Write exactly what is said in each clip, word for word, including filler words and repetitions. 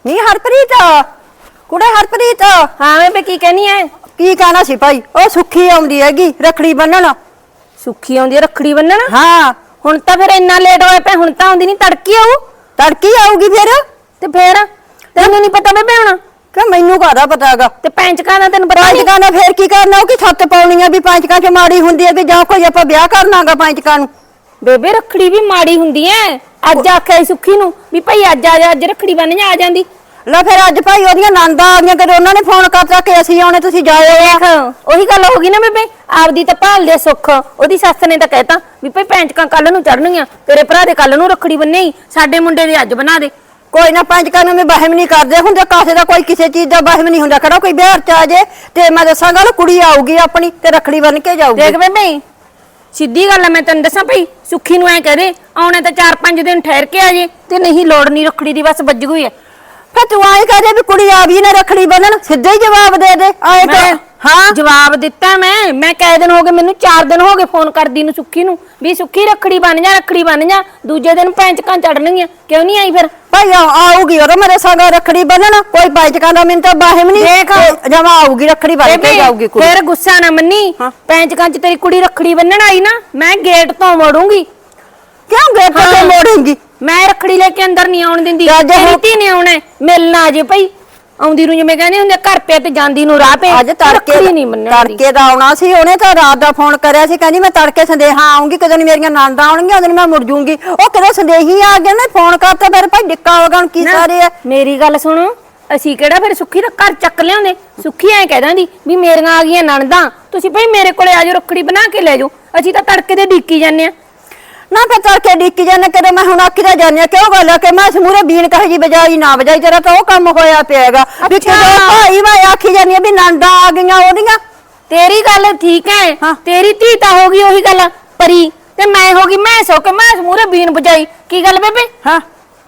ਨੀ ਹਰਪ੍ਰੀਤ ਕੁੜੇ ਹਰਪ੍ਰੀਤ ਹਾਂ ਬੇਬੇ ਕੀ ਕਹਿਨੀ ਐ? ਕੀ ਕਹਿਣਾ ਸੀ ਭਾਈ ਉਹ ਸੁੱਖੀ ਆਉਂਦੀ ਹੈਗੀ ਰੱਖੜੀ ਬੰਨਣ। ਸੁੱਖੀ ਆਉਂਦੀ ਐ ਰੱਖੜੀ ਬੰਨਣ? ਹਾਂ ਹੁਣ ਤਾਂ ਫਿਰ ਇੰਨਾ ਲੇਟ ਹੋਇਆ ਪਿਆ, ਹੁਣ ਤਾਂ ਆਉਂਦੀ ਨਹੀਂ, ਤੜਕੀ ਆਊ। ਤੜਕੀ ਆਊਗੀ ਫਿਰ? ਤੇ ਫੇਰ ਤੈਨੂੰ ਨਹੀਂ ਪਤਾ ਬੇਬੇ ਹੁਣ? ਕਿ ਮੈਨੂੰ ਕਾਹਦਾ ਪਤਾ ਹੈਗਾ? ਤੇ ਪੈਂਚਕਾਂ ਦਾ ਤੈਨੂੰ ਪਤਾ ਨਹੀਂ? ਪੰਚਕਾਂ ਦਾ ਫੇਰ ਕੀ ਕਰਨਾ, ਉਹ ਕਿ ਛੱਤ ਪਾਉਣੀ ਆ ਵੀ ਪੰਚਕਾਂ ਚ ਮਾੜੀ ਹੁੰਦੀ ਹੈ ਕਿ ਜਾਂ ਕੋਈ ਆਪਾਂ ਵਿਆਹ ਕਰਨਾਗਾ ਪੰਚਕਾਂ ਨੂੰ? ਬੇਬੇ ਰੱਖੜੀ ਵੀ ਮਾੜੀ ਹੁੰਦੀ ਐ। ਅੱਜ ਆਖਿਆ ਸੁੱਖੀ ਨੂੰ ਵੀ ਭਾਈ ਅੱਜ ਆ ਜਾ, ਅੱਜ ਰੱਖੜੀ ਬੰਨ ਜਾ, ਆ ਜਾਂਦੀ। ਲੈ ਫਿਰ ਅੱਜ ਭਾਈ ਉਹਦੀਆਂ ਨੰਦਾਂ ਆ ਗਈਆਂ, ਕਦੇ ਉਹਨਾਂ ਨੇ ਫੋਨ ਕਰਤਾ ਕਿ ਅਸੀਂ ਆਉਣੇ ਤੁਸੀਂ ਜਾਓ। ਦੇਖ ਉਹੀ ਗੱਲ ਹੋ ਗਈ ਨਾ ਬੇਬੇ, ਆਪਦੀ ਤਾਂ ਭਾਲਦੇ ਸੁੱਖ। ਉਹਦੀ ਸੱਸ ਨੇ ਤਾਂ ਕਹਿਤਾ ਵੀ ਭਾਈ ਪੈਂਚਕਾਂ ਕੱਲ ਨੂੰ ਚੜਨਗੀਆਂ, ਤੇਰੇ ਭਰਾ ਦੇ ਕੱਲ ਨੂੰ ਰੱਖੜੀ ਬੰਨੇਈ, ਸਾਡੇ ਮੁੰਡੇ ਦੇ ਅੱਜ ਬਣਾ ਦੇ। ਕੋਈ ਨਾ ਪੰਚਕਾਂ ਨੂੰ ਵੀ ਵਹਿਮ ਨਹੀਂ ਕਰਦੇ ਹੁੰਦੇ, ਕਾਸੇ ਦਾ ਕੋਈ ਕਿਸੇ ਚੀਜ਼ ਦਾ ਵਹਿਮ ਨਹੀਂ ਹੁੰਦਾ। ਕਿਹੜਾ ਕੋਈ ਵਿਆਹ ਚ ਆ ਜੇ ਤੇ ਮੈਂ ਦੱਸਾਂ ਗੱਲ, ਕੁੜੀ ਆਊਗੀ ਆਪਣੀ ਤੇ ਰੱਖੜੀ ਬੰਨ ਕੇ ਜਾਊਗੀ। ਦੇਖ ਬੇਬੇ ਸਿੱਧੀ ਗੱਲ ਹੈ, ਮੈਂ ਤੈਨੂੰ ਦੱਸਾਂ ਭਾਈ ਸੁੱਖੀ ਨੂੰ ਐ ਕਹਦੇ ਆਉਣੇ ਤਾਂ ਚਾਰ ਪੰਜ ਦਿਨ ਠਹਿਰ ਕੇ ਆ ਜੇ, ਤੇ ਨਹੀਂ ਲੋੜ ਨਹੀਂ ਰੱਖੜੀ ਦੀ, ਬਸ ਵੱਜ ਗਈ ਐ। ਫਿਰ ਤੂੰ ਆਏ ਕਹਦੇ ਵੀ ਕੁੜੀ ਆ ਵੀ ਨਾ ਰੱਖੜੀ ਬੰਨਣ, ਸਿੱਧਾ ਹੀ ਜਵਾਬ ਦੇ ਦੇ ਆਏ ਤਾਂ। ਹਾਂ ਜਵਾਬ ਦਿੱਤਾ ਮੈਂ ਮੈਂ ਕਈ ਦਿਨ ਹੋ ਗਏ, ਮੈਨੂੰ ਚਾਰ ਦਿਨ ਹੋ ਗਏ ਫੋਨ ਕਰਦੀ ਨੂੰ ਸੁੱਖੀ ਨੂੰ ਵੀ ਸੁੱਖੀ ਰੱਖੜੀ ਬੰਨ ਜਾ, ਰੱਖੜੀ ਬੰਨ ਜਾ। ਦੂਜੇ ਦਿਨ ਪੈਂਚਕਾਂ ਚੜਨਗੀਆਂ, ਕਿਉਂ ਨਹੀਂ ਆਈ ਫਿਰ? ਭਾਈ ਆਊਗੀ ਉਹ ਮੇਰੇ ਸੰਗ ਰੱਖੜੀ ਬੰਨਣ, ਕੋਈ ਪੰਚਕਾਂ ਦਾ ਮੈਨੂੰ ਤਾਂ ਬਾਹਮ ਨਹੀਂ। ਦੇਖ ਜਮਾ ਆਊਗੀ ਰੱਖੜੀ ਬੰਨ ਕੇ ਜਾਊਗੀ ਕੁੜੀ। ਫਿਰ ਗੁੱਸਾ ਨਾ ਮੰਨੀ, ਪੈਂਚਕਾਂ ਚ ਤੇਰੀ ਕੁੜੀ ਰੱਖੜੀ ਬੰਨਣ ਆਈ ਨਾ, ਮੈਂ ਗੇਟ ਤੋਂ ਮੋੜੂੰਗੀ। ਕਿਉਂ ਗੇਟ ਤੋਂ ਮੋੜੂੰਗੀ? ਮੈਂ ਰੱਖੜੀ ਲੈ ਕੇ ਅੰਦਰ ਨਹੀਂ ਆਉਣ ਦਿੰਦੀ। ਤੇਰੀ ਧੀ ਨੇ ਆਉਣਾ, ਮਿਲਣਾ ਆ ਜੇ ਭਾਈ। ਆਉਂਦੀ ਨੂੰ ਜਿਵੇਂ ਕਹਿੰਦੇ ਹੁੰਦੇ ਘਰ ਪੇ ਤੇ ਜਾਂਦੀ ਨੂੰ ਰਾਹ ਪੇ। ਅੱਜ ਤੜਕੇ ਨਹੀਂ ਮੰਨਣੀ, ਤੜਕੇ ਦਾ ਆਉਣਾ ਸੀ ਉਹਨੇ, ਤਾਂ ਰਾਤ ਦਾ ਫੋਨ ਕਰਿਆ ਸੀ, ਕਹਿੰਦੀ ਮੈਂ ਤੜਕੇ ਸੰਦੇਹਾ ਆਉਂਗੀ, ਕਦੋਂ ਮੇਰੀਆਂ ਨਣਦਾਂ ਆਉਣਗੀਆਂ ਉਦੋਂ ਮੈਂ ਮੁੜ ਜੂੰਗੀ। ਉਹ ਕਿਹੜੇ ਸੰਦੇਹੀ ਆ ਗਏ ਨੇ, ਫੋਨ ਕਰਤਾ ਫਿਰ ਭਾਈ ਡਿੱਕਾ ਹੋ ਗਿਆ। ਹੁਣ ਕੀ ਸਾਰੇ ਆ? ਮੇਰੀ ਗੱਲ ਸੁਣੋ, ਅਸੀਂ ਕਿਹੜਾ ਫਿਰ ਸੁੱਖੀ ਦਾ ਘਰ ਚੱਕ ਲਿਆਉਂਦੇ? ਸੁੱਖੀ ਐ ਕਹਿ ਦਿੰਦੀ ਵੀ ਮੇਰੀਆਂ ਆ ਗਈਆਂ ਨਣਦਾਂ, ਤੁਸੀਂ ਭਾਈ ਮੇਰੇ ਕੋਲੇ ਆ ਜਾਓ, ਰੱਖੜੀ ਬਣਾ ਕੇ ਲੈ ਜਾਓ। ਅਸੀਂ ਤਾਂ ਤੜਕੇ ਦੇ ਡੀਕੀ ਜਾਂਦੇ ਆ ਨਾ। ਫਿਰ ਤੜਕੇ ਡੀਕੀ ਜਾਂਦੇ, ਕਦੇ ਮੈਂ ਹੁਣ ਆਖੀ ਦਾ ਜਾਂਦੇ ਕਿਉਂ ਗੱਲ ਆ ਕਿ ਮੈਂ ਸਮੂਰੇ ਬੀਨ ਕਹੇ ਜੀ ਬਜਾਈ ਨਾ ਬਜਾਈ, ਤੇਰਾ ਤਾਂ ਉਹ ਕੰਮ ਹੋਇਆ ਪਿਆਗਾ ਵੀ ਕਿਉਂ ਭਾਈ ਮੈਂ ਆਖੀ ਜਾਂਦੀ ਆ ਵੀ ਨਣਦਾਂ ਆ ਗਈਆਂ ਉਹਦੀਆਂ। ਤੇਰੀ ਗੱਲ ਠੀਕ ਹੈ, ਤੇਰੀ ਧੀ ਤਾਂ ਹੋ ਗਈ ਉਹੀ ਗੱਲ ਪਰੀ, ਤੇ ਮੈਂ ਹੋ ਗਈ ਮੈਂ ਸੋ ਕੇ ਮੈਂ ਸਮੂਰੇ ਬੀਨ ਬਜਾਈ। ਕੀ ਗੱਲ ਬੇਬੇ? ਹਾਂ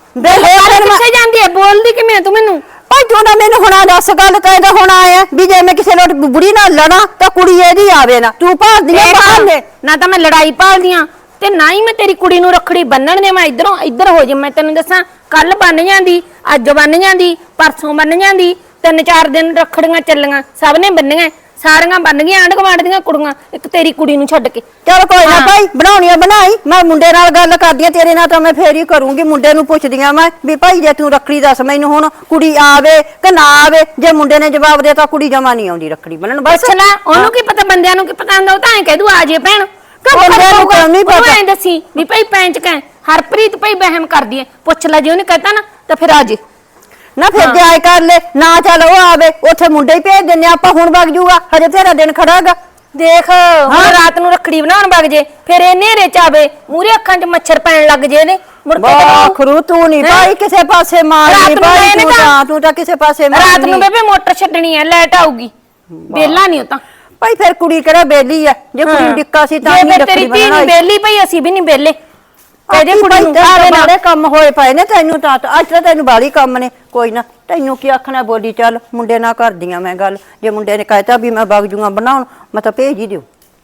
ਕਿੱਥੇ ਜਾਂਦੀ ਹੈ, ਬੋਲਦੀ ਕਿਵੇਂ ਤੂੰ ਮੈਨੂੰ? ਭਾਈ ਤੂੰ ਨਾ ਮੈਨੂੰ ਹੁਣ ਦੱਸ ਗੱਲ ਕਹਿੰਦਾ ਹੁਣ ਆਇਆ ਵੀ ਜੇ ਮੈਂ ਕਿਸੇ ਲੋਟ ਬੁੜੀ ਨਾਲ ਲੜਾਂ ਤਾਂ ਕੁੜੀ ਇਹਦੀ ਆਵੇ ਨਾ, ਤੂੰ ਭਾਲਦੀ ਆ ਬਾਹਰ ਨੇ। ਨਾ ਤਾਂ ਮੈਂ ਲੜਾਈ ਭਾਲਦੀਆਂ ਤੇ ਨਾ ਹੀ ਮੈਂ ਤੇਰੀ ਕੁੜੀ ਨੂੰ ਰੱਖੜੀ ਬੰਨਣ ਦੇ। ਮੈਂ ਇਧਰੋਂ ਇੱਧਰ ਹੋ ਜਾ, ਮੈਂ ਤੈਨੂੰ ਦੱਸਾਂ ਕੱਲ ਬੰਨ ਜਾਂਦੀ, ਅੱਜ ਬੰਨ ਜਾਂਦੀ, ਪਰਸੋਂ ਬੰਨ ਜਾਂਦੀ, ਤਿੰਨ ਚਾਰ ਦਿਨ ਰੱਖੜੀਆਂ ਚੱਲੀਆਂ, ਸਭ ਨੇ ਬੰਨੀਆਂ, ਸਾਰੀਆਂ ਬੰਨ ਗਈਆਂ ਆਂਢ ਗੁਆਂਢ ਦੀਆਂ ਕੁੜੀਆਂ, ਇੱਕ ਤੇਰੀ ਕੁੜੀ ਨੂੰ ਛੱਡ ਕੇ। ਚਲ ਕੋਈ ਨਾ ਭਾਈ, ਬਣਾਉਣੀ ਆ ਬਣਾਈ, ਮੈਂ ਮੁੰਡੇ ਨਾਲ ਗੱਲ ਕਰਦੀ ਆ, ਤੇਰੇ ਨਾਲ ਤਾਂ ਮੈਂ ਫੇਰ ਹੀ ਕਰੂੰਗੀ। ਮੁੰਡੇ ਨੂੰ ਪੁੱਛਦੀ ਆ ਮੈਂ ਵੀ ਭਾਈ ਜੇ ਤੂੰ ਰੱਖੜੀ ਦੱਸ ਮੈਨੂੰ, ਹੁਣ ਕੁੜੀ ਆਵੇ ਕਿ ਨਾ ਆਵੇ। ਜੇ ਮੁੰਡੇ ਨੇ ਜਵਾਬ ਦੇਤਾ ਕੁੜੀ ਜਮਾ ਨਹੀਂ ਆਉਂਦੀ ਰੱਖੜੀ ਬੰਨਣ, ਬਸ ਨਾ ਉਹਨੂੰ ਕੀ ਪਤਾ, ਬੰਦਿਆਂ ਨੂੰ ਕੀ ਪਤਾ ਹੁੰਦਾ, ਉਹ ਤਾਂ ਐਂ ਕਹਿ ਦੂ ਆ ਜੇ ਭੈਣ। ਬੰਦਿਆਂ ਨੂੰ ਤਾਂ ਨਹੀਂ ਪਤਾ। ਐਂ ਦੱਸੀ ਵੀ ਭਾਈ ਪੈਂਚਕਾਂ ਹਰਪ੍ਰੀਤ ਭਾਈ ਵਹਿਮ ਕਰਦੀ ਐ, ਪੁੱਛ ਲੈ, ਜੇ ਉਹਨੇ ਕਹਤਾ ਨਾ ਤਾਂ ਫਿਰ ਆ ਜੇ ਨਾ। ਫਿਰ ਜਾਇ ਕਰ ਲੈ ਨਾ, ਚੱਲ ਉਹ ਆਵੇ, ਉੱਥੇ ਮੁੰਡੇ ਹੀ ਭੇਜ ਦਿੰਨੇ ਆਪਾਂ। ਹੁਣ ਵਗ ਜੂਗਾ, ਹਜੇ ਤੇਰਾ ਦਿਨ ਖੜਾਗਾ। ਦੇਖ ਹੁਣ ਰਾਤ ਨੂੰ ਰੱਖੜੀ ਬਣਾਉਣ ਵਗ ਜੇ, ਫਿਰ ਇਹ ਨੇਰੇ ਚ ਆਵੇ, ਮੂਰੇ ਅੱਖਾਂ ਚ ਮੱਛਰ ਪੈਣ ਲੱਗ ਜੇ ਇਹਦੇ, ਮੁੜ ਕੇ ਆਖਰੂ ਤੂੰ ਨਹੀਂ ਭਾਈ ਕਿਸੇ ਪਾਸੇ ਮਾਰਨੀ ਭਾਈ, ਤੂੰ ਤਾਂ ਤੂੰ ਤਾਂ ਕਿਸੇ ਪਾਸੇ ਮਾਰਨੀ। ਰਾਤ ਨੂੰ ਬੇਬੇ ਮੋਟਰ ਛੱਡਣੀ ਐ, ਲਾਈਟ ਆਊਗੀ, ਬੇਲਾ ਨਹੀਂ ਉਹ ਤਾਂ ਭਾਈ। ਫਿਰ ਕੁੜੀ ਕਿਹੜਾ ਬੇਲੀ ਐ? ਜੇ ਕੁੜੀ ਨੂੰ ਡਿੱਕਾ ਸੀ ਤਾਂ ਨਹੀਂ ਤੇਰੀ ਧੀ ਨਹੀਂ ਬੇਲੀ ਭਾਈ, ਅਸੀਂ ਵੀ ਨਹੀਂ ਬੇਲੇ। ਇਹਦੇ ਕੁੜੀ ਨੂੰ ਆਵੇ ਨਾਲੇ ਕੰਮ ਹੋਏ ਪਏ ਨੇ, ਤੈਨੂੰ ਤਾਂ ਅੱਜ ਤਾਂ ਤੈਨੂੰ ਬਾਹਲੀ ਕੰਮ ਨੇ। ਕੋਈ ਨਾ, ਤੈਨੂੰ ਕੀ ਆਖਣਾ, ਬੋਲੀ ਚੱਲ। ਮੁੰਡੇ ਨਾਲ ਕਰਦੀਆਂ ਮੈਂ ਗੱਲ, ਜੇ ਮੁੰਡੇ ਨੇ ਕਹਿਤਾ ਵੀ ਮੈਂ ਵਗ ਜੂਗਾ ਬਣਾਉਣ, ਮੈਂ ਤਾਂ ਭੇਜ ਹੀ ਦਿਓ।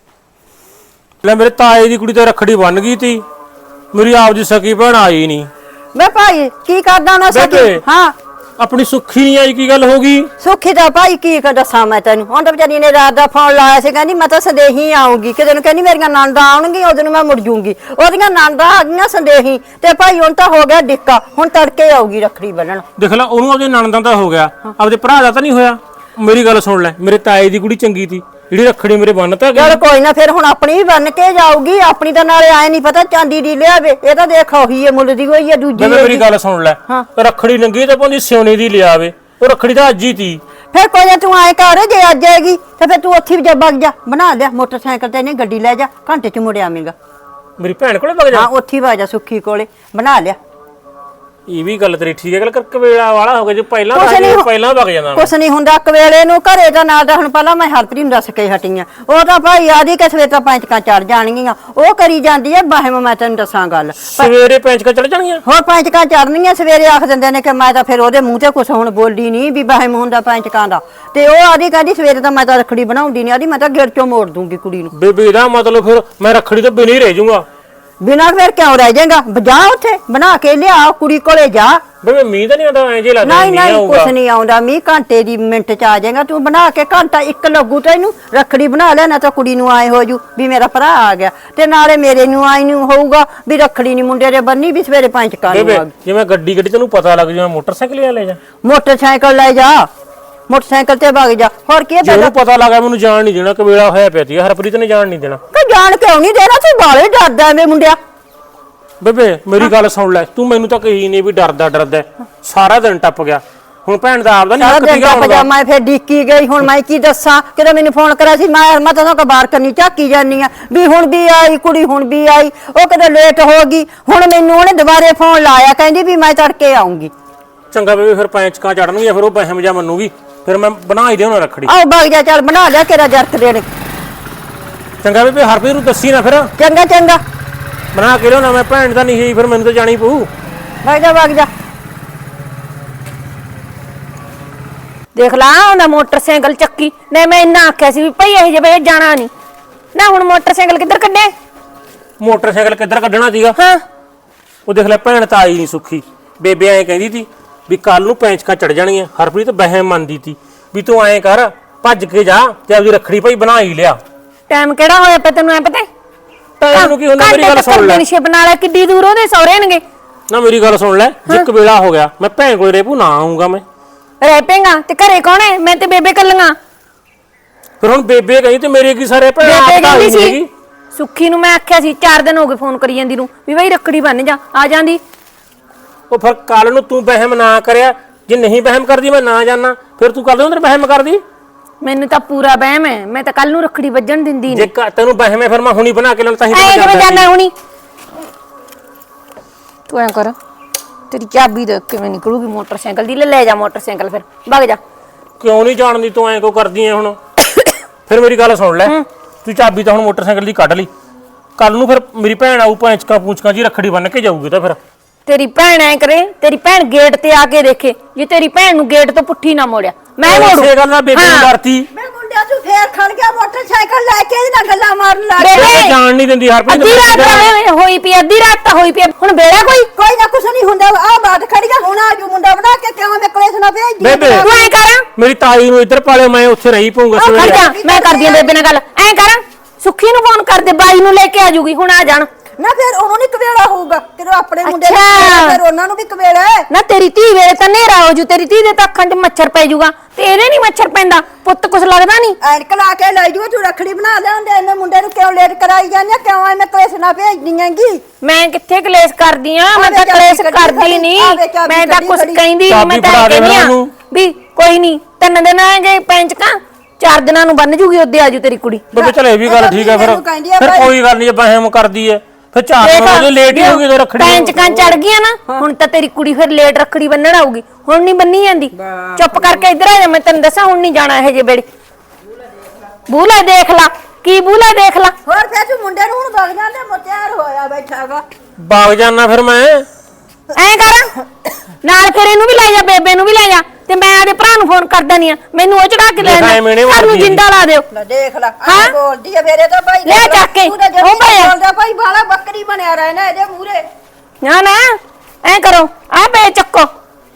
ਲੈ ਮੇਰੇ ਤਾਏ ਦੀ ਕੁੜੀ ਤਾਂ ਰੱਖੜੀ ਬਣ ਗਈ ਤੀ, ਮੇਰੀ ਆਪਦੀ ਸਕੀ ਭੈਣ ਆਈ ਨਹੀਂ। ਮੈਂ ਭਾਈ ਕੀ ਕਰਦਾ ਨਾ ਸਕੀ? ਹਾਂ ਆਪਣੀ ਸੁੱਖੀ ਨਹੀਂ ਆਈ, ਕੀ ਗੱਲ ਹੋ ਗਈ? ਸੁੱਖੀ ਦਾ ਭਾਈ ਕੀ ਕਰ ਦੱਸਾਂ ਮੈਂ ਤੈਨੂੰ, ਹੁਣ ਤਾਂ ਵਿਚਾਰੀ ਨੇ ਰਾਤ ਦਾ ਫੋਨ ਲਾਇਆ ਸੀ, ਕਹਿੰਦੀ ਮੈਂ ਤਾਂ ਸੰਦੇਹੀ ਆਉਂਗੀ, ਕਿਤੇ ਨੂੰ ਕਹਿੰਦੀ ਮੇਰੀਆਂ ਨਣਦਾਂ ਆਉਣਗੀਆਂ, ਉਦੋਂ ਮੈਂ ਮੁੜ ਜੂੰਗੀ। ਉਹਦੀਆਂ ਨਣਦਾਂ ਆ ਗਈਆਂ ਸੰਦੇਹੀ, ਤੇ ਭਾਈ ਹੁਣ ਤਾਂ ਹੋ ਗਿਆ ਡਿੱਕਾ, ਹੁਣ ਤੜਕੇ ਆਊਗੀ ਰੱਖੜੀ ਬੰਨਣ। ਦੇਖ ਲੈ, ਉਹਨੂੰ ਆਪਦੇ ਨਣਦਾਂ ਦਾ ਹੋ ਗਿਆ, ਆਪਦੇ ਭਰਾ ਦਾ ਤਾਂ ਨਹੀਂ ਹੋਇਆ। ਮੇਰੀ ਗੱਲ ਸੁਣ ਲੈ, ਮੇਰੇ ਤਾਏ ਦੀ ਕੁੜੀ ਚੰਗੀ ਤੀ, ਜਿਹੜੀ ਰੱਖੜੀ ਮੇਰੇ ਬੰਨਤਾ ਗਈ। ਚਲ ਕੋਈ ਨਾ, ਫਿਰ ਹੁਣ ਆਪਣੀ ਵੀ ਬੰਨ ਕੇ ਜਾਊਗੀ। ਆਪਣੀ ਤਾਂ ਨਾਲੇ ਆਏ ਨਹੀਂ ਪਤਾ ਚਾਂਦੀ ਦੀ ਲਿਆਵੇ, ਇਹ ਤਾਂ ਦੇਖ ਉਹੀ ਹੈ ਮੁੱਲ ਦੀ ਹੋਈ ਹੈ ਦੂਜੀ। ਮੇਰੀ ਗੱਲ ਸੁਣ ਲੈ, ਰੱਖੜੀ ਲੰਗੀ ਤਾਂ ਭਾਵੇਂ ਸਿਉਣੇ ਦੀ ਲਿਆਵੇ, ਉਹ ਰੱਖੜੀ ਤਾਂ ਅੱਜ ਹੀ ਤੀ। ਫਿਰ ਕੋਈ ਨਾ, ਤੂੰ ਆਏ ਕਰ, ਜੇ ਅੱਜ ਆਏਗੀ ਤੇ ਫਿਰ ਤੂੰ ਉੱਥੇ ਵੀ ਜਾ ਵਗ ਜਾ, ਬਣਾ ਲਿਆ ਮੋਟਰਸਾਈਕਲ ਤੇ, ਨਹੀਂ ਗੱਡੀ ਲੈ ਜਾ, ਘੰਟੇ ਚ ਮੁੜ ਆਵੇਂਗਾ। ਮੇਰੀ ਭੈਣ ਕੋਲੇ ਵਗ ਜਾ। ਹਾਂ ਉੱਥੇ ਵਗ ਜਾ, ਸੁੱਖੀ ਕੋਲੇ ਬਣਾ ਲਿਆ। ਇਹ ਵੀ ਗੱਲ ਤੇਰੀ ਠੀਕ ਹੈ, ਗੱਲ ਕਰਕੇ ਵੇਲਾ ਵਾਲਾ ਹੋ ਗਿਆ, ਜੇ ਪਹਿਲਾਂ ਪਹਿਲਾਂ ਵਗ ਜਾਂਦਾ। ਕੁਛ ਨਹੀਂ ਹੁੰਦਾ ਕਵੇਲੇ ਨੂੰ, ਘਰੇ ਤਾਂ ਨਾਲ ਦਾ ਹੁਣ ਪਹਿਲਾਂ ਮੈਂ ਹਰਪ੍ਰੀਤ ਨੂੰ ਦੱਸ ਕੇ ਹਟੀ ਆ, ਉਹ ਤਾਂ ਭਾਈ ਆਦੀ ਕਿ ਸਵੇਰੇ ਤਾਂ ਪੈਂਚਕਾਂ ਚੜ ਜਾਣਗੀਆਂ, ਉਹ ਕਰੀ ਜਾਂਦੀ ਹੈ ਬਾਹਮ। ਮੈਂ ਤੈਨੂੰ ਦੱਸਾਂ ਗੱਲ, ਸਵੇਰੇ ਪੈਂਚਕਾਂ ਚੜ ਜਾਣਗੀਆਂ, ਹੋਰ ਪੈਂਚਕਾਂ ਚੜਨੀਆਂ ਸਵੇਰੇ। ਆਖ ਦਿੰਦੇ ਨੇ ਕਿ ਮੈਂ ਤਾਂ ਫਿਰ ਉਹਦੇ ਮੂੰਹ ਤੇ ਕੁਛ ਹੁਣ ਬੋਲੀ ਨਹੀਂ ਵੀ ਬਾਹਮ ਹੁੰਦਾ ਪੈਂਚਕਾਂ ਦਾ, ਤੇ ਉਹ ਆਦੀ ਕਹਿੰਦੀ ਸਵੇਰੇ ਤਾਂ ਮੈਂ ਤਾਂ ਰੱਖੜੀ ਬਣਾਉਂਦੀ ਨਹੀਂ, ਆਦੀ ਮੈਂ ਤਾਂ ਗੇਟ ਚੋਂ ਮੋੜ ਦੂੰਗੀ ਕੁੜੀ ਨੂੰ। ਬੇਬੇ ਦਾ ਮਤਲਬ ਫਿਰ ਮੈਂ ਰੱਖੜੀ ਤੋਂ ਬਿਨਾਂ ਹੀ ਰਹਿ ਜਾਊਂਗਾ। ਬਿਨਾਂ ਫਿਰ ਕਿਉਂ ਰਹਿ ਜਾਏਗਾ ਜਾ ਉੱਥੇ ਬਣਾ ਕੇ ਲਿਆ ਕੁੜੀ ਕੋਲੇ ਜਾ ਬੇਬੇ ਮੀਂਹ ਤਾਂ ਨਹੀਂ ਆਉਂਦਾ ਐਂ ਜੇ ਲੱਗਦਾ ਨਹੀਂ ਮੀਂਹ ਨਹੀਂ ਆਊਗਾ ਕੁਛ ਨਹੀਂ ਆਉਂਦਾ ਮੀਂਹ ਘੰਟੇ ਦੀ ਮਿੰਟ ਚ ਆ ਜਾਏਗਾ ਤੂੰ ਬਣਾ ਕੇ ਘੰਟਾ ਇੱਕ ਲੱਗੂ ਤੈਨੂੰ ਰੱਖੜੀ ਬਣਾ ਲੈ ਨਾ ਤਾਂ ਕੁੜੀ ਨੂੰ ਆਏ ਹੋ ਜੂ ਵੀ ਮੇਰਾ ਭਰਾ ਆ ਗਿਆ ਤੇ ਨਾਲੇ ਮੇਰੇ ਨੂੰ ਆਈ ਨੂੰ ਹੋਊਗਾ ਵੀ ਰੱਖੜੀ ਨਹੀਂ ਮੁੰਡੇ ਦੇ ਬੰਨੀ ਵੀ ਸਵੇਰੇ ਪੰਜ ਕਾਂ ਨੂੰ ਬੇਬੇ ਆ ਗਈ। ਜਿਵੇਂ ਗੱਡੀ ਗੱਡੀ ਤੈਨੂੰ ਪਤਾ ਲੱਗ ਜਾਵੇ ਮੋਟਰਸਾਈਕਲ ਹੀ ਲੈ ਜਾ ਮੋਟਰਸਾਈਕਲ ਲੈ ਜਾ ਮੋਟਰਸਾਈਕਲ ਤੇ ਵਗ ਜਾ ਹੋਰ ਕੀ ਜੇ ਉਹਨੂੰ ਪਤਾ ਲੱਗਾ ਮੈਨੂੰ ਜਾਣ ਨਹੀਂ ਦੇਣਾ ਕਵੇਲਾ ਹੋਇਆ ਪਿਆ ਸੀ ਹਰਪ੍ਰੀਤ ਨੇ ਜਾਣ ਨਹੀਂ ਦੇਣਾ ਕਿ ਜਾਣ ਕਿਉਂ ਨਹੀਂ ਦੇਣਾ ਤੂੰ ਬਾਲੇ ਡਰਦਾ ਐਵੇਂ ਮੁੰਡਿਆ ਬੇਬੇ ਮੇਰੀ ਗੱਲ ਸੁਣ ਲੈ ਤੂੰ ਮੈਨੂੰ ਤਾਂ ਕਹੀ ਨਹੀਂ ਵੀ ਡਰਦਾ ਡਰਦਾ ਸਾਰਾ ਦਿਨ ਟੱਪ ਗਿਆ ਹੁਣ ਭੈਣ ਦਾ ਆਪਦਾ ਨਹੀਂ ਸਾਰਾ ਹੱਕ ਦਿਨ ਸੀਗਾ ਦਾ ਹੁਣ ਦਾ ਪਜਾਮਾ ਫਿਰ ਡੀਕੀ ਗਈ ਹੁਣ ਮੈਂ ਕੀ ਦੱਸਾਂ ਕਿਦੋਂ ਮੈਨੂੰ ਫੋਨ ਕਰਿਆ ਸੀ ਮੈਂ ਮੈਂ ਤਾਂ ਬਾਹਰ ਕਰਨੀ ਝਾਕੀ ਜਾਨੀ ਆ ਵੀ ਹੁਣ ਵੀ ਆਈ ਕੁੜੀ ਹੁਣ ਵੀ ਆਈ ਉਹ ਕਦੇ ਲੇਟ ਹੋ ਗਈ ਹੁਣ ਮੈਨੂੰ ਉਹਨੇ ਦੁਬਾਰੇ ਫੋਨ ਲਾਇਆ ਕਹਿੰਦੀ ਵੀ ਮੈਂ ਤੜਕੇ ਆਉਂਗੀ ਚੰਗਾ ਬੇਬੇ ਫਿਰ ਪੈਂਚਕਾਂ ਚੜਨਗੀਆਂ ਫਿਰ ਉਹ ਬਹਿਮ ਜਾ ਮੰਨੂਗੀ ਫਿਰ ਮੈਂ ਬਣਾ ਹੀ ਦੇਉਣਾ ਰੱਖੜੀ ਆਓ ਵਗ ਜਾ ਚੱਲ ਬਣਾ ਲਿਆ ਤੇਰਾ ਜਰਕ ਦੇਣੇ ਚੰਗਾ ਬੇਬੇ ਹਰਪ੍ਰੀਤ ਨੂੰ ਦੱਸੀ ਨਾ ਫਿਰ ਚੰਗਾ ਚੰਗਾ ਬਣਾ ਕੇ ਲਿਆਉਣਾ ਮੈਂ ਭੈਣ ਤਾਂ ਨਹੀਂ ਹੈ ਫਿਰ ਮੈਨੂੰ ਤਾਂ ਜਾਣੀ ਪਊ ਵਗ ਜਾ ਵਗ ਜਾ ਦੇਖ ਲਾ ਉਹਦਾ ਮੋਟਰਸਾਈਕਲ ਚੱਕੀ ਨਹੀਂ ਮੈਂ ਇੰਨਾ ਆਖਿਆ ਸੀ ਵੀ ਭਈ ਇਹ ਜੇ ਵੇ ਜਾਣਾ ਨਹੀਂ ਨਾ ਹੁਣ ਮੋਟਰਸਾਈਕਲ ਕਿੱਧਰ ਕੱਢਿਆ ਮੋਟਰਸਾਈਕਲ ਕਿੱਧਰ ਕੱਢਣਾ ਸੀਗਾ ਹਾਂ ਉਹ ਦੇਖ ਲੈ ਭੈਣ ਤਾਂ ਆਈ ਨਹੀਂ ਸੁੱਖੀ ਬੇਬੇ ਐਂ ਕਹਿੰਦੀ ਸੀ ਵੀ ਕੱਲ ਨੂੰ ਪੈਂਚਕਾਂ ਚੜ ਜਾਣਗੀਆਂ ਹਰਪ੍ਰੀਤ ਬਹਿਮ ਮੰਨਦੀ ਸੀ ਵੀ ਤੂੰ ਐਂ ਕਰ ਭੱਜ ਕੇ ਜਾ ਤੇ ਆਪਦੀ ਰੱਖੜੀ ਭਾਈ ਬਣਾ ਹੀ ਲਿਆ ਟਾਈਮ ਕਿਹੜਾ ਹੋਇਆ ਪਿਆ ਤੈਨੂੰ ਐ ਪਤਾ ਟਾਈਮ ਨੂੰ ਕੀ ਹੁੰਦਾ ਮੇਰੀ ਗੱਲ ਸੁਣ ਲੈ ਨਿਸ਼ੇ ਬਣਾ ਲੈ ਕਿੱਡੀ ਦੂਰ ਉਹਦੇ ਸਹੁਰੇ ਨੇਗੇ ਨਾ ਮੇਰੀ ਗੱਲ ਸੁਣ ਲੈ ਜਿੱਕ ਵੇਲਾ ਹੋ ਗਿਆ ਮੈਂ ਭੈਣ ਕੋਲ ਰੇਪੂ ਨਾ ਆਉਂਗਾ ਮੈਂ ਰਹਿ ਪੇਗਾ ਤੇ ਘਰੇ ਕੌਣ ਹੈ ਮੈਂ ਤੇ ਬੇਬੇ ਕੱਲੀਆਂ ਫਿਰ ਹੁਣ ਬੇਬੇ ਕਹੀ ਤੇ ਮੇਰੇ ਕੀ ਸਾਰੇ ਭੈਣ ਬੇਬੇ ਆਪ ਤਾਂ ਕਹਿੰਦੀ ਆਈ ਸੀ ਹੈਗੀ ਸੁੱਖੀ ਨੂੰ ਮੈਂ ਆਖਿਆ ਸੀ ਚਾਰ ਦਿਨ ਹੋ ਗਏ ਫੋਨ ਕਰੀ ਜਾਂਦੀ ਨੂੰ ਵੀ ਬਈ ਰੱਖੜੀ ਬੰਨ ਜਾ ਆ ਜਾਂਦੀ ਉਹ ਫਿਰ ਕੱਲ ਨੂੰ ਤੂੰ ਵਹਿਮ ਨਾ ਕਰਿਆ ਜੇ ਨਹੀਂ ਵਹਿਮ ਕਰਦੀ ਮੈਂ ਨਾ ਜਾਣਾ ਫਿਰ ਤੂੰ ਕੱਲ ਨੂੰ ਵਹਿਮ ਕਰਦੀ ਮੈਨੂੰ ਤਾਂ ਪੂਰਾ ਵਹਿਮ ਹੈ ਮੈਂ ਤਾਂ ਕੱਲ ਨੂੰ ਰੱਖੜੀ ਵੱਜਣ ਦਿੰਦੀ ਜੇ ਨਹੀਂ ਕ- ਤੈਨੂੰ ਵਹਿਮ ਹੈ ਫਿਰ ਮੈਂ ਹੁਣੀ ਬਣਾ ਕੇ ਲੈਣ ਤਾਂ ਹੀ ਐ ਤਾਂ ਕਿਵੇਂ ਜਾਂਦਾ ਜਾਣਾ ਸੀ। ਹੁਣੀ ਤੂੰ ਐ ਕਰ ਤੇਰੀ ਚਾਬੀ ਦੇ ਕਿਵੇਂ ਨਿਕਲੂਗੀ ਮੋਟਰਸਾਈਕਲ ਦੀ ਲੈ ਲੈ ਜਾ ਮੋਟਰਸਾਈਕਲ ਫਿਰ ਭੱਗ ਜਾ ਕਿਉਂ ਨਹੀਂ ਜਾਣਦੀ ਤੂੰ ਐਂ ਕਿਉਂ ਕਰਦੀ ਐ ਹੁਣ ਫਿਰ ਮੇਰੀ ਗੱਲ ਸੁਣ ਲੈ ਤੂੰ ਚਾਬੀ ਤਾਂ ਹੁਣ ਮੋਟਰਸਾਈਕਲ ਦੀ ਕੱਢ ਲਈ ਕੱਲ ਨੂੰ ਫਿਰ ਮੇਰੀ ਭੈਣ ਆਊ ਪੈਂਚਕਾਂ ਪੂੰਚਕਾਂ ਜੀ ਰੱਖੜੀ ਬੰਨ ਕੇ ਜਾਊਗੀ ਤਾਂ ਫਿਰ ਤੇਰੀ ਭੈਣ ਐ ਕਰੇ ਤੇਰੀ ਭੈਣ ਗੇਟ ਤੇ ਆ ਕੇ ਦੇਖੇ ਜੇ ਤੇਰੀ ਭੈਣ ਨੂੰ ਗੇਟ ਤੋਂ ਪੁੱਠੀ ਨਾ ਮੋੜਿਆ ਮੈਂ ਮੋੜੂ ਇਸੇ ਗੱਲ ਨਾਲ ਬੇਬੇ ਨੂੰ ਹਾਂ। ਡਰਤੀ ਮੈਂ ਮੁੰਡਿਆ ਤੂੰ ਫੇਰ ਖੜ ਗਿਆ ਮੋਟਰਸਾਈਕਲ ਲੈ ਕੇ ਇਹਦੇ ਨਾਲ ਗੱਲਾਂ ਮਾਰਨ ਲੱਗ ਬੇਬੇ, ਗਿਆ ਬੇਬੇ ਜਾਣ ਨਹੀਂ ਦਿੰਦੀ ਹਰਪ੍ਰੀਤ ਅੱਧੀ ਰਾਤ ਤਾਂ ਹੋਈ ਪਈ ਅੱਧੀ ਰਾਤ ਤਾਂ ਹੋਈ ਪਈ ਹੁਣ ਵੇੜਾ ਕੋਈ ਕੋਈ ਨਾ ਕੁਛ ਨਹੀਂ ਹੁੰਦਾ ਆ ਬਾਤ ਖੜੀ ਗਿਆ ਹੁਣ ਆਜੂ ਮੁੰਡਾ ਬਣਾ ਕੇ ਕਿਉਂ ਮੈਂ ਕਲੇਸ਼ ਨਾ ਭੇਜਦੀ ਬੇਬੇ। ਤੂੰ ਐ ਕਰ ਮੇਰੀ ਤਾਈ ਨੂੰ ਇੱਧਰ ਪਾਲਿਓ ਮੈਂ ਉੱਥੇ ਰਹੀ ਪਊਂਗਾ ਆ ਖੜ ਸਵੇਰੇ ਜਾ ਮੈਂ ਕਰਦੀ ਆ ਬੇਬੇ ਨਾਲ ਗੱਲ ਐ ਕਰ ਸੁੱਖੀ ਨੂੰ ਫੋਨ ਕਰ ਦੇ ਬਾਈ ਨੂੰ ਲੈ ਕੇ ਆ ਜੂਗੀ ਹੁਣ ਆ ਜਾਣ ਨਾ ਫਿਰ ਉਹਨੂੰ ਨਹੀਂ ਕਵੇਲਾ ਹੋਊਗਾ ਤੇਰੇ ਆਪਣੇ ਮੁੰਡੇ ਨੂੰ ਅੱਛਾ। ਕਵੇਲਾ, ਫਿਰ ਉਹਨਾਂ ਨੂੰ ਵੀ ਕਵੇਲਾ ਹੈ। ਨਾ ਤੇਰੀ ਧੀ ਵੇਲੇ ਤਾਂ ਨੇਰਾ ਹੋ ਜੂ ਤੇਰੀ ਧੀ ਦੇ ਤਾਂ ਅੱਖਾਂ 'ਚ ਮੱਛਰ ਪੈ ਜੂਗਾ ਤੇ ਇਹਦੇ ਨਹੀਂ ਮੱਛਰ ਪੈਂਦਾ ਪੁੱਤ ਕੁਛ ਲੱਗਦਾ ਨਹੀਂ ਐਨਕ ਲਾ ਕੇ ਲੈ ਜੂ ਤੂੰ ਰੱਖੜੀ ਬਣਾ ਲਿਆਉਂਦੇ ਇਹਨੇ ਮੁੰਡੇ ਨੂੰ ਕਿਉਂ ਲੇਟ ਕਰਾਈ ਜਾਂਦੀ ਆ? ਕਿਉਂ ਐਵੇਂ ਕਲੇਸ਼ ਨਾ ਭੇਜਦੀ ਹੈਗੀ ਮੈਂ ਕਿੱਥੇ ਕਲੇਸ਼ ਕਰਦੀ ਆ ਮੈਂ ਆਵੇ ਤਾਂ ਚਾਬੀ ਕਲੇਸ਼ ਕੱਢੀ ਕਰਦੀ ਖੜੀ, ਨਹੀਂ ਆਵੇ ਚਾਬੀ ਮੈਂ ਤਾਂ ਕੱਢੀ ਕੁਛ ਖੜੀ। ਕਹਿੰਦੀ ਨੀ, ਮੈਂ ਚਾਬੀ ਤਾਂ ਫੜਾ ਦੇ ਕਹਿੰਦੀ ਆ ਉਹਨੂੰ। ਵੀ ਕੋਈ ਨਹੀਂ ਤਿੰਨ ਦਿਨ ਆਏਗੇ ਪੈਂਚਕਾਂ ਚਾਰ ਦਿਨਾਂ ਨੂੰ ਬੰਨ ਜੂਗੀ ਉਹਦੇ ਆਜੂ ਤੇਰੀ ਕੁੜੀ ਬੇਬੇ ਚਲ ਇਹ ਵੀ ਗੱਲ ਠੀਕ ਹੈ ਫਿਰ ਮੈਨੂੰ ਕਹਿੰਦੀ ਆ ਫਿਰ ਭਾਈ। ਕੋਈ ਗੱਲ ਨਹੀਂ ਜੇ ਵਹਿਮ ਕਰਦੀ ਐ ਫਿਰ ਚਾਰ ਦਿਨ ਹੋ ਗਏ ਲੇਟ ਹੀ ਹੋ ਗਈ ਤੇ ਰੱਖੜੀ ਨੂੰ। ਪੈਂਚਕਾਂ ਚੜ ਗਈਆਂ ਨਾ ਹੁਣ ਤਾਂ ਤੇਰੀ ਕੁੜੀ ਫਿਰ ਲੇਟ ਰੱਖੜੀ ਬੰਨਣ ਆਊਗੀ ਹੁਣ ਨਹੀਂ ਬੰਨੀ ਜਾਂਦੀ ਚੁੱਪ ਕਰਕੇ ਇੱਧਰ ਆ ਜਾ ਮੈਂ ਤੈਨੂੰ ਦੱਸਾਂ ਹੁਣ ਨਹੀਂ ਜਾਣਾ ਇਹ ਜੇ ਬੇੜੀ ਬੂਲਾ ਦੇਖ ਲਾ ਕੀ ਬੂਲਾ ਦੇਖ ਲਾ ਹੋਰ ਫਿਰ ਤੂੰ ਮੁੰਡੇ ਨੂੰ ਹੁਣ ਵਗ ਜਾਂਦੇ ਮੁੱਤਿਆਰ ਹੋਇਆ ਬੈਠਾਗਾ ਬਾਗ ਜਾਣਾ ਫਿਰ ਮੈਂ ਐਂ ਕਰ ਨਾਲ ਫਿਰ ਇਹਨੂੰ ਵੀ ਲੈ ਜਾ ਬੇਬੇ ਨੂੰ ਵੀ ਲੈ ਜਾ ਤੇ ਮੈਂ ਆਦੇ ਭਰਾ ਨੂੰ ਫੋਨ ਕਰ ਦਨੀ ਆ ਮੈਨੂੰ ਉਹ ਚੜਾ ਕੇ ਲੈ ਦੇਖਾਂ ਐਵੇਂ ਨੀ ਜਾ ਸਾਨੂੰ ਮਾਰਦੀ ਜਿੰਦਾ ਲਾ ਦਿਓ ਲੈ ਦੇਖ ਲੈ ਹਾਂ? ਆ ਬੋਲਦੀ ਆ ਮੇਰੇ ਤਾਂ ਭਾਈ ਲੈ ਚੱਕ ਕੇ, ਤੂੰ ਤਾਂ ਜਮੀ ਉਹ ਭਾਈ। ਬੋਲਦਾ ਭਾਈ ਬਾਲਾ ਬੱਕਰੀ ਬਣਿਆ ਰਹਿਣਾ ਇਹਦੇ ਮੂਹਰੇ ਨਾ ਨਾ ਐਂ ਕਰੋ ਆ ਬੇ ਚੱਕੋ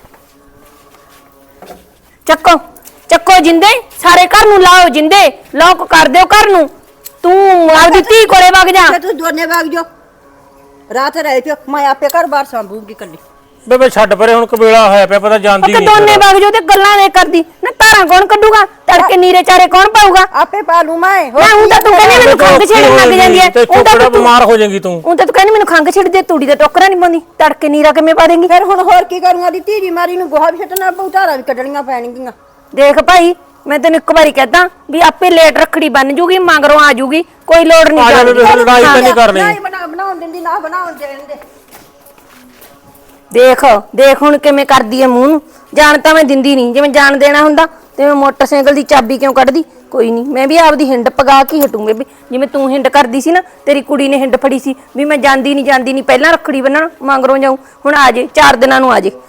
ਚੱਕੋ ਚੱਕੋ ਜਿੰਦੇ ਸਾਰੇ ਘਰ ਨੂੰ ਲਾਓ ਜਿੰਦੇ ਲੋਕ ਕਰ ਦਿਓ ਘਰ ਨੂੰ ਤੂੰ ਆਪਦੀ ਧੀ ਕੋਲੇ ਵਗ ਜਾ ਫਿਰ ਤੂੰ ਦੋਨੇ ਵਗ ਜਾ ਰਾਤ ਰਹਿ ਪਿਓ ਮੈਂ ਆਪੇ ਘਰ ਬਾਹਰ ਸੰਭੂਗੀ ਕੱਲੀ ਬੇਬੇ ਛੱਡ ਪਰੇ ਹੁਣ ਕਬੇਲਾ ਹੋਇਆ ਪਿਆ ਪਤਾ ਜਾਂਦੀ ਤੇ ਨਹੀਂ ਦੋਨੇ ਵਗ ਜਾਓ ਤੇ ਗੱਲਾਂ ਦੇ ਕਰਦੀ ਨਾ ਧਾਰਾਂ ਕੌਣ ਕੱਢੂਗਾ ਤੜਕੇ ਨੀਰੇ ਚਾਰੇ ਕੌਣ ਪਾਊਗਾ ਆਪੇ ਪਾ ਲੂ ਮੈਂ ਮੈਂ ਹੁਣ ਤਾਂ ਤੂੰ ਕਹਿੰਦੀ ਮੈਨੂੰ ਖੰਗ ਛੇੜਨ ਲੱਗ ਜਾਂਦੀ ਹੈ ਤੇ ਉਹ ਤਾਂ ਚੁੱਪੜਾ ਤੂੰ ਬਿਮਾਰ ਹੋ ਜਾਏਗੀ ਤੂੰ ਉਹ ਤਾਂ ਤੂੰ ਕਹਿੰਦੀ ਮੈਨੂੰ ਖੰਗ ਛਿੜ ਦੇ ਤੂੜੀ ਦਾ ਟੋਕਰਾ ਨਹੀਂ ਪਾਉਂਦੀ ਤੜਕੇ ਨੀਰਾ ਕਿਵੇਂ ਪਾ ਦੇਂਗੀ ਫਿਰ ਹੁਣ ਹੋਰ ਕੀ ਕਰੂੰਗਾ ਦੀ ਧੀਰੀ ਮਾਰੀ ਨੂੰ ਗੋਹਾ ਵੀ ਛੱਟਣਾ ਪਊ ਧਾਰਾਂ ਵੀ ਕੱਢਣੀਆਂ ਪੈਣਗੀਆਂ ਦੇਖ ਭਾਈ ਮੈਂ ਤੈਨੂੰ ਇੱਕ ਵਾਰੀ ਕਹਦਾ ਵੀ ਆਪੇ ਲੇਟ ਰੱਖੜੀ ਬੰਨ ਜੂਗੀ ਮਗਰੋਂ ਆ ਜੂਗੀ ਕੋਈ ਲੋੜ ਨਹੀਂ ਆ ਜਾ ਬੇਬੇ, ਜਾਣ ਦੀ। ਲੜਾਈ ਤਾਂ ਨਹੀਂ ਕਰਨੀ ਨਹੀਂ ਬਣਾ ਬਣਾਉਣ ਦਿੰਦੀ ਨਾ ਬਣਾਉਣ ਦੇਣ ਦੇ ਦੇਖ ਦੇਖ ਹੁਣ ਕਿਵੇਂ ਕਰਦੀ ਐ ਮੂੰਹ ਨੂੰ ਜਾਣ ਤਾਂ ਮੈਂ ਦਿੰਦੀ ਨਹੀਂ ਜਿਵੇਂ ਜਾਣ ਦੇਣਾ ਹੁੰਦਾ ਤੇ ਮੈਂ ਮੋਟਰਸਾਈਕਲ ਦੀ ਚਾਬੀ ਕਿਉਂ ਕੱਢਦੀ ਕੋਈ ਨਹੀਂ ਮੈਂ ਵੀ ਆਪਦੀ ਹਿੰਡ ਪਗਾ ਕੇ ਹਟੂੰ ਬੇਬੀ ਜਿਵੇਂ ਤੂੰ ਹਿੰਡ ਕਰਦੀ ਸੀ ਨਾ ਤੇਰੀ ਕੁੜੀ ਨੇ ਹਿੰਡ ਫੜੀ ਸੀ ਵੀ ਮੈਂ ਜਾਂਦੀ ਨਹੀਂ ਜਾਂਦੀ ਨਹੀਂ ਪਹਿਲਾਂ ਰੱਖੜੀ ਬੰਨਣ ਮਗਰੋਂ ਜਾਊ ਹੁਣ ਆ ਜੇ ਚਾਰ ਦਿਨਾਂ ਨੂੰ ਆ ਜੇ